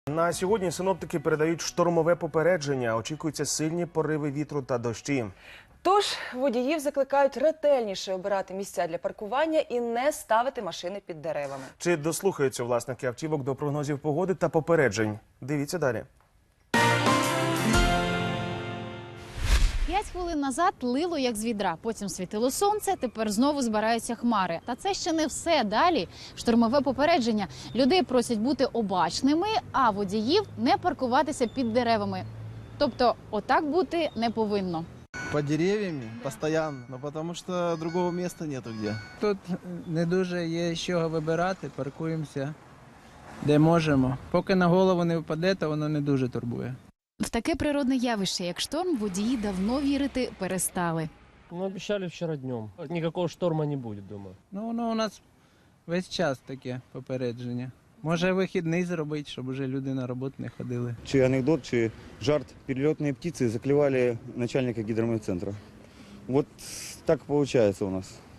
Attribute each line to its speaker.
Speaker 1: На сьогодні синоптики передають штормове попередження. Очікуються сильні пориви вітру та дощі.
Speaker 2: Тож водіїв закликають ретельніше обирати місця для паркування і не ставити машини під деревами.
Speaker 1: Чи дослухаються власники автівок до прогнозів погоди та попереджень? Дивіться далі.
Speaker 3: 5 хвилин назад лило як з відра, потім світило сонце, тепер знову збираються хмари. Та це ще не все. Далі штормове попередження. Людей просять бути обачними, а водіїв не паркуватися під деревами. Тобто отак бути не повинно.
Speaker 4: Под деревьями постоянно, но потому что другого места нету где.
Speaker 5: Тут не дуже є з чого вибирати, паркуємося де можемо. Поки на голову не впаде, то воно не дуже турбує.
Speaker 3: В таке природне явище, як шторм, водії давно вірити перестали.
Speaker 6: Ну, обещали вчера днем. Никакого шторма не будет, думаю.
Speaker 5: Ну, воно у нас весь час таке попередження. Може вихідний зробити, щоб уже люди на роботу не ходили.
Speaker 7: Чи анекдот, чи жарт. Перелетные птицы заклевали начальника гидрометцентра. Вот так получается у нас.